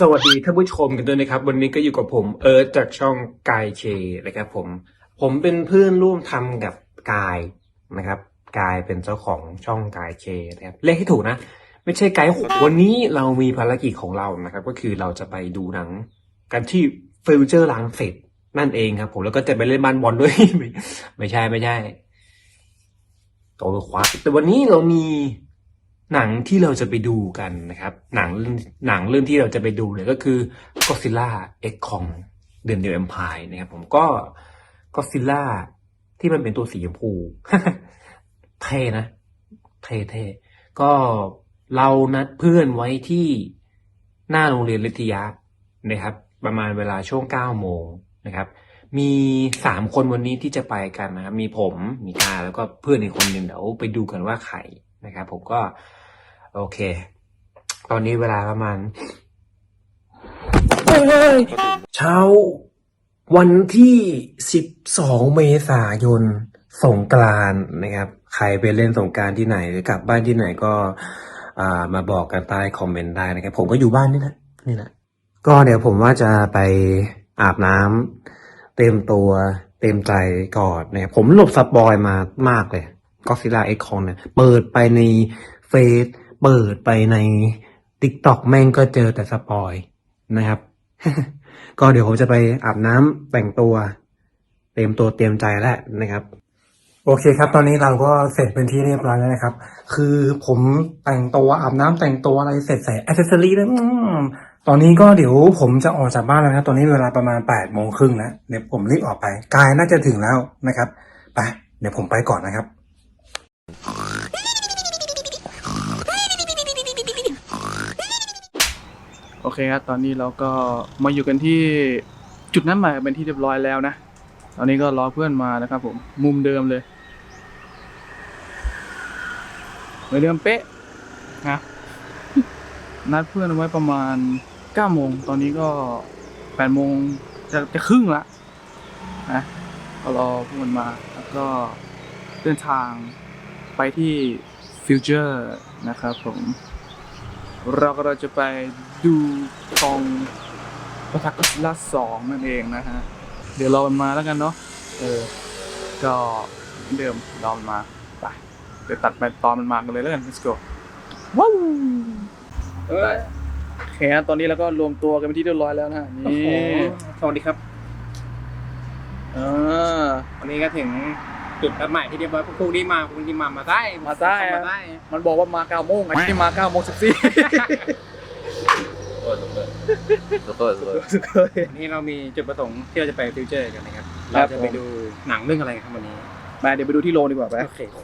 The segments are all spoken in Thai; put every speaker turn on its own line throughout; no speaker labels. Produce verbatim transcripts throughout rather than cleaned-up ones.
สวัสดีท่านผู้ชมกันด้วยนะครับวันนี้ก็อยู่กับผมเอิร์ธจากช่องกายเคนะครับผมผมเป็นเพื่อนร่วมทำกับกายนะครับกายเป็นเจ้าของช่องกายเคนะครับเลขให้ถูกนะไม่ใช่ไกด์วันนี้เรามีภารกิจของเรานะครับก็คือเราจะไปดูหนังกันที่ฟิวเจอร์ลังสิตนั่นเองครับผมแล้วก็จะไปเล่นบ้านบอลด้วย ไม่ใช่ไม่ใช่โตขวาแต่วันนี้เรามีหนังที่เราจะไปดูกันนะครับหนังหนังเรื่องที่เราจะไปดูเนี่ยก็คือ Godzilla เอ็กซ์ Kong The New Empire นะครับผมก็ Godzilla ที่มันเป็นตัวสีชมพู เท่นะเท่เท่ก็เรานัดเพื่อนไว้ที่หน้าโรงเรียนลิทยานะครับประมาณเวลาช่วงเก้าโมงนะครับมีสามคนวันนี้ที่จะไปกันนะครับมีผมมีกาแล้วก็เพื่อนอีกคนหนึ่งเดี๋ยวไปดูกันว่าใครนะครับผมก็โอเคตอนนี้เวลาประมาณเช้าวันที่สิบสองเมษายนสงกรานต์นะครับใครไปเล่นสงกรานต์ที่ไหนหรือกลับบ้านที่ไหนก็อ่ามาบอกกันใต้คอมเมนต์ได้นะครับผมก็อยู่บ้านนี่แหละนี่แหละก็เดี๋ยวผมว่าจะไปอาบน้ำเต็มตัวเต็มใจก่อนนะครับผมหลบสปอยมามากเลยGodzilla เอ็กซ์ Kong เนี่ยเปิดไปในเฟซเปิดไปใน TikTok แม่งก็เจอแต่สปอยนะครับ ก็เดี๋ยวผมจะไปอาบน้ำแต่งตัวเตรียมตัวเตรียมใจแล้วนะครับโอเคครับตอนนี้เราก็เสร็จเป็นที่เรียบร้อยแล้วนะครับคือผมแต่งตัวอาบน้ำแต่งตัวอะไรเสร็จใส่แอคเซสซอรี่แล้วตอนนี้ก็เดี๋ยวผมจะออกจากบ้านแล้วนะตอนนี้เวลาประมาณแปดโมงครึ่งแล้วเดี๋ยวผมรีบออกไปกายน่าจะถึงแล้วนะครับไปเดี๋ยวผมไปก่อนนะครับ
โอเคครับตอนนี้เราก็มาอยู่กันที่จุดนั้นหมายเป็นที่เรียบร้อยแล้วนะตอนนี้ก็รอเพื่อนมานะครับผมมุมเดิมเลยเหมือนเดิมเป๊ะนะ นัดเพื่อนไว้ประมาณเก้าโมงตอนนี้ก็แปดโมงจะจะครึ่งละนะก็รอเพื่อนมาแล้วก็เดินทางไปที่ฟิวเจอร์นะครับผมเราก็เราจะไปดูกองปะทะก็อดซิลล่าสองนั่นเองนะฮะเดี๋ยวรอมันมาแล้วกันเนาะเออก็เหมือนเดิมรอมันมาไปเดี๋ยวตัดไปตอนมันมากันเลยแล้วกัน let's go ว้าวเออโอเคตอนนี้เราก็รวมตัวกันเป็นที่เรียบร้อยแล้วนะฮะนี่สวัสดีครับเออ
วันนี้ก็ถึงจุดนัดหมายที่เรียบร้อยพรุ่งนี้มาพรุ่งนี้มามาได้
มาได้มาได้มันบอกว่ามาเก้าโมงไอ้ที่มาเก้าโมงสิบสี่
โอ้สุดโต่งสุดโต่งสุดโต่งวันนี้เรามีจุดประสงค์ที่เราจะไปฟิวเจอร์กันนะครับเราจะไปดูหนังเรื่องอะไรครับวันนี้
มาเดี๋ยวไปดูที่โรงดีกว่าไป
โอเคครู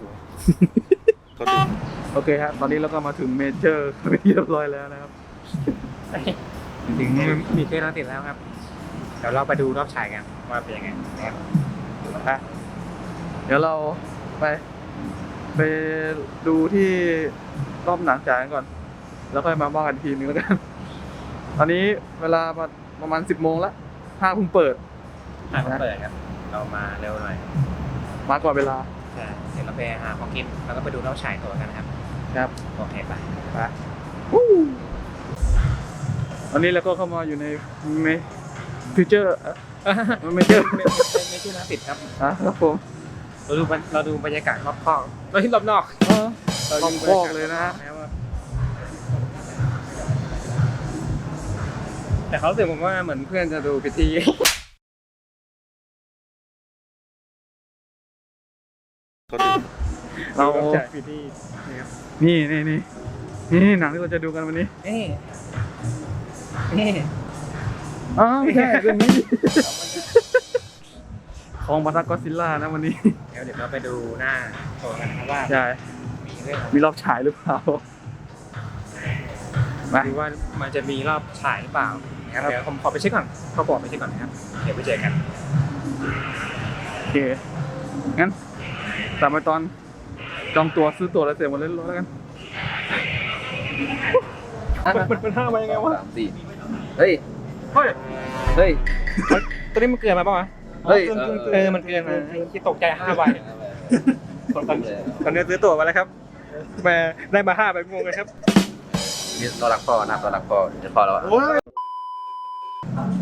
โอเคครับตอนนี้เราก็มาถึงเมเจอร์เป็นที่เรียบร้อยแล้วนะครับ
ถึงมีเทสเราติดแล้วครับเดี๋ยวเราไปดูรอบฉายกันว่าเป็นยังไงนะครับ
เดี๋ยวเราไปไปดูที่รอบหนังจ่ายกันก่อนแล้วค่อยมาว่ากันทีนึงแล้วกันตอนนี้เวลาประมาณสิบโมงแล้วห้างเพิ่งเปิด
ห้างเพิ่งเปิดครับเรามาเร็วหน่อย
มาก่อนเวลา
ใช่เดี๋ยวเราไปหาของกินแล้วก็ไปดูรอบฉายตัวกันนะครับ
ครับ
โอเคไป
ไปตอนนี้เราก็เข้ามาอยู่ในเมฟิวเจอร์
มันไม่เจอไม่ไม่ใช่นะติดครับ
อ่ะครับผม
เราดูเราดูบรรยากาศรอบคอกเราที่รอบนอก
เราดูคอกเลยนะ
แต่เขารู้สึกผมว่าเหมือนเพื่อนจะดูพิธี
เราจ่ายพิธีนี่นี่นี่นี่หนังที่เราจะดูกันวันนี้
นี่นี่
อ๋อไม่ใช่เรื่องนี้ของปะทะก็อดซิลล่านะวันนี้
เดี๋ยวเดี๋ยวเราไปดูหน้าโชว์กันนะครับว่า
ใช่
มีเรื่อง
มีรอบฉายหรือเปล่า
มาดูว่ามันจะมีรอบฉายหรือเปล่านะครับเดี๋ยวผมขอไปเช็คก่อนขอบอกไปเช็คก่อนนะครับเดี๋ยวไปเจอกัน
โอเคงั้นตามไปตอนจองตั๋วซื้อตั๋วแล้วเสร็จหมดเลยแล้วกันมันเป็นห้ามายังไงวะ
สามสี่เฮ้ย
เฮ้ย
เฮ้ยตัวนี้มันเกินมาป่ะวะ
เฮ้ย
เออมันเกินมาที่ตกใจห้าใบตอนนี้ซื้อตั๋วมาแล้วครับมาได้มาห้าใบงงเลยครับ
นี่ตัวหลักพอนะตัวหลักพอจะพอแล้ว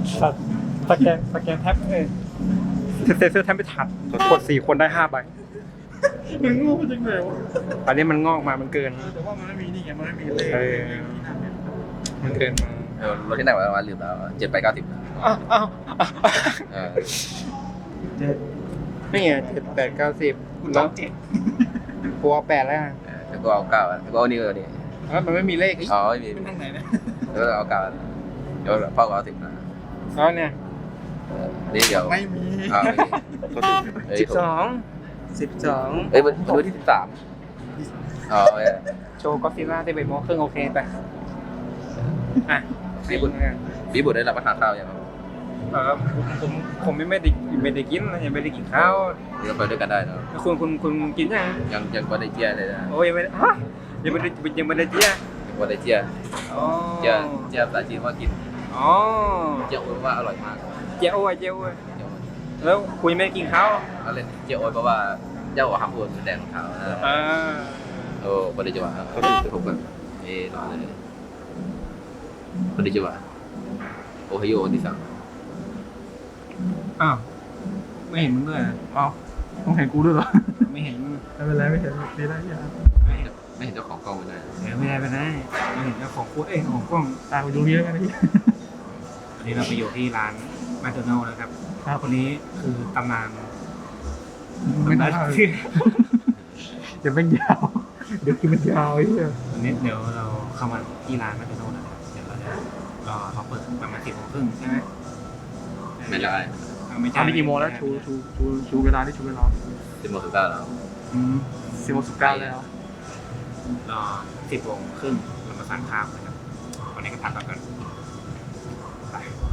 สัตว์สแกนสแกนแท็บเอ้ยเซนเซอร์แท็บไม่ทันกดสี่คนได้ห้าใบมันโง่จริงเลยวะ
อันนี้มันงอกมามันเกิน
แต่ว่ามันไม่มีนี่ไงมันไม่มีเลข
เออ มันเกินมา
เออรถที่ไหนวะลืมแล้วเจ็ดไปเก้าสิบ
อ้าวอ้าวอ้าว
เออ
เจ็ด
นี่ไงเจ็ดแปดเก้าสิบ
คุณน้องเจ็ด
กูเอาแปดแล้ว
แล้วก็เอาเก้าแล้วก็เอานี่เอานี่
แล้วมันไม่มีเลขอีก
อ๋อไม่มี
เป็นทางไหนนะ
แล้วก็เอาเก้าเดี๋ยวพ่อก็เอาสิบนะ
แล้วเนี่ย
เออนี่เดี๋ยว
ไม่มี
อ่าไม่มีเอ้ย
สิบสองสิบสอง
เอ้ยวันวันที่สิบสามอ๋อเออ
โชว์ก็ซิล่าได้ใบโมงครึ่งโอเคไปอ่ะ
พี่บุญพี่บุญได้รับประทานข้าวยังครับ
เออผมผมผมไม่ไม่ได้ไม่ได้กินนะยังไม่ได้กินข้าว
เดี๋ยวไปด้วยกันได้เนอะ
แล้วคุณคุณคุณกินยัง
ยังยังไม่ได้เจียเลยนะ
โอ้ยยังไม่ได้ฮะยังไม่ได้ยังไม่ได้เจีย
ยังไม่ได้เจีย
อ๋อ
เจียเจียภาษาจีนว่ากิน
อ๋อ
เจียโอ้ยว่าอร่อยมาก
เจียโอ้ยเจียโอ้ย
เจียโอ้ย
แล้วคุณยังไม่ได้กินข้าว
เอาเล่นเจียโอ้ยเพราะว่าเจ้าหักหัวแดงของเขานะ
อ่า
โอ้ไม่ได้จังหวะเขาจะถูกแบบเอ๊ะรอเลยไม่ได้จังหวะโอไฮโอที่สาม
อ้าวไม่เห็นมึงด้วยเหรอ
อ้าวต้องเห็นกูด้วยเหรอ
ไม่เห็นมึง
ไม่เป็นไรไม่เห็นดีได้ยัง
ไม่เห็น
ไม่เห็นเจ้าของกล้องเลยนะ
เดี๋ยวไม่ได้ไปไหนไม่เห็นเจ้าของกูเอ้ยของกล้อง
ตามไปดูนี้แล้วกันนะพี่
วันนี้เราไปอยู่ที่ร้านแมคโดนัลล์นะครับ
ครับ
คนนี้คือตำนาน
ไม่ได้
ตำนานที่
เดี๋ยวเป็นยาวเดี๋ยวคือมันยาวไอ้เหี้ย
วันนี้เดี๋ยวเราเข้ามาที่ร้านแมคโดนัลล์นะครับเดี๋ยวเราจะรอเขาเปิดประมาณสิบโมงครึ่งใช่ไหม
ไม่ได้
เอาไม่
ตอ
ใช่
นนี้กี่โมงแล้วชูชูชูชูเวลาที่ชูเวลา
สิบโมงสิบเก้าแล้ว
อืมสิบโมงสิบเก้าแล้ว
รอสิบโมงครึ่งเรามาสั่งข้าวนะครับวันนี้ก็พักกันไป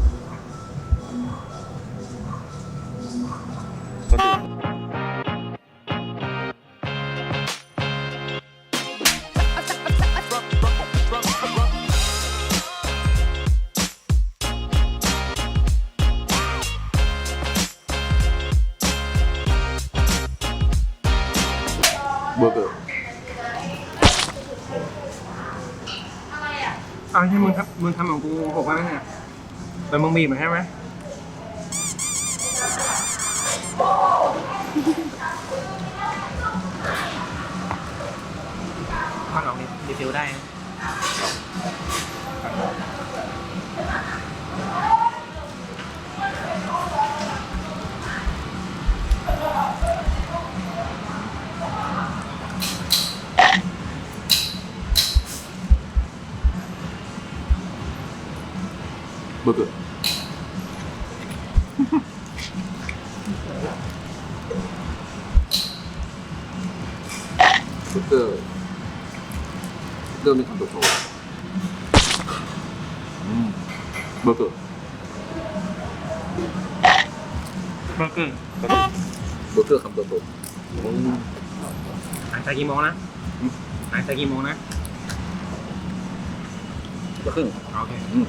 เบอร์เกอร์
เอาใช่มึงครับมึงทำของกูหกไว้ไหมเนี่ยแต่มึงบีบมาใช่ไหมทอดออกดิดีฟิลได้นะ
เบอร์เกอร์เบอร์เกอร์เริ่มมีคำโตโตอืมเบอร์เกอร์
เบอร์เกอร์
เบอร์เกอร์คำโตโตอืม
หายใจกี่โมงนะหายใจกี่โมงนะ
เบอร์ครึ่ง
โอเค
อืม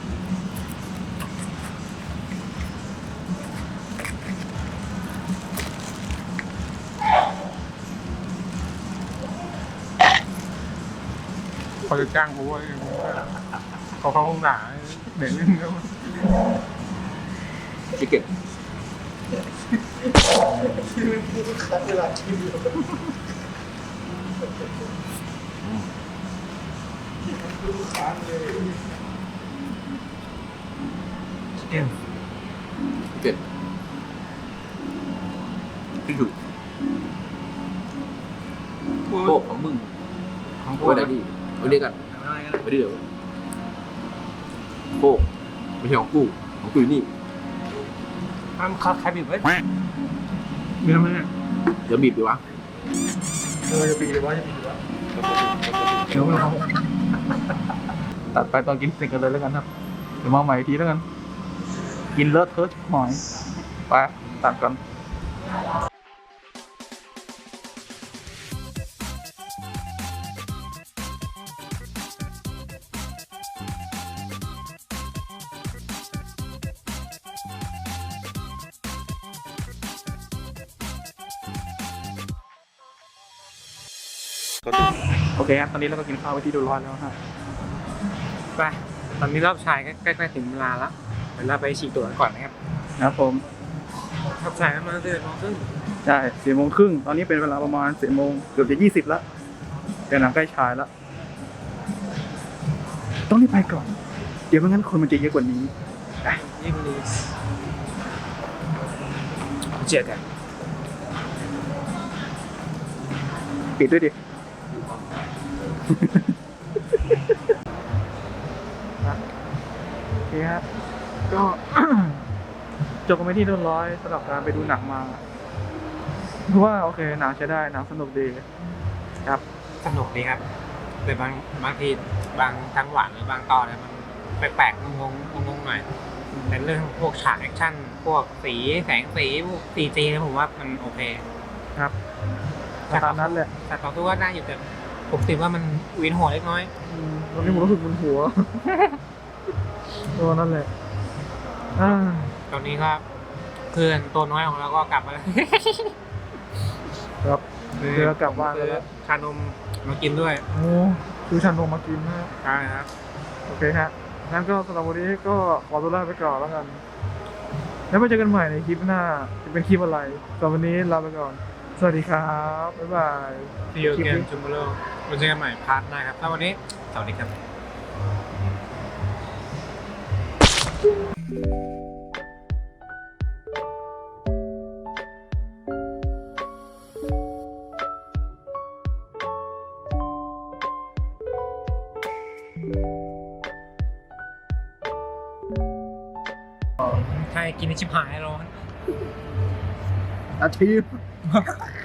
เขาจะจ้างกูว่าเขาเขาคงด่าเด็กเล่นแล้ว
ชิคเก้น
เอ็ม
ชิคเก้นที่ถูกโคกของมึง
ของกู
ไว้ไหนดีไว้ด้วยกัน
อะไรกัน
ไว้ด้วยเดี๋ยวโคกไม่ใช่ของกูของกูอยู่นี่
ทำคัดใครบีบไว้มีทำไมเนี่ย
เดี๋ยวบีบดีวะ
เออจะปีเลยวะจะปีเลยวะ
เดี๋ยวเรา
ตัดไปตอนกินเสร็จกันเลยแล้วกันครับเดี๋ยวมาใหม่อีกทีแล้วกัน กินเลอะเทอะหน่อยไปตัดกัน โอเคครับตอนนี้เราก็กินข้าวไปที่ดูร้อนแล้วครับ
ไปตอนนี้รอบชายใกล้ๆถึงเวลาแล้ว
อ
เดี๋ยวเราไปฉีดตัวกันก่อนนะครับ
ครับผม
ขับสายกันมาเดือนมองครึ่ง
ใช่สี่โมงครึ่งตอนนี้เป็นเวลาประมาณสี่โมงเกือบจะยี่สิบแล้วเดี๋ยวหนังใกล้ฉายแล้ว ต้องรีบไปก่อน เดี๋ยวไม่งั้นคนมันจะเยอะกว่านี้
ยิ่งนี้เจ็ดกัน
ปิดด้วยดิ โอเคฮะก็ จบกันไปที่เรียบร้อยสำหรับการไปดูหนังมาเพราะว่าโอเคหนังใช้ได้หนังสนุกดีครับ
สนุกดีครับแต่บางบางทีบางจังหวะหรือบางตอนเนี่ยมันแปลกๆงงๆงงๆหน่อยแต่เรื่องพวกฉากแอคชั่นพวกสีแสงสีพวกซีจีผมว่ามันโอเค
ครับตามนั้นแหละ
แต่ต่อตัวก็ได้อยู่แต่ผมติดว่ามันเวียนหัวเล็กน้อย
อืมตอนนี้ผมรู้สึกมึนหัว ตัวนั่นแหละอ่า
ตอนนี้ก็เพื่อนตัวน้อยของเราก็กลับมาแล้ว
ครับเรือกลับบ้านแล้ว
ชานมมากินด้วย
โอ้คือชันนมมากินนะ
ใช่ครับ
โอเคฮะงั้นก็สำหรับวันนี้ก็ขอตัวลาไปก่อนแล้วกัน แล้วมาเจอกันใหม่ในคลิปหน้า จะเป็นคลิปอะไรสำหรับวันนี้ลาไปก่อน สวัสดีครับ บ๊ายบาย
ที่ยูเกนจูมโร่มาเจอกันใหม่พาร์ทหน้าครับถ้าวันนี้สวัสดีครับ ใช่กินในชิบหายร้อน
อาทิตย์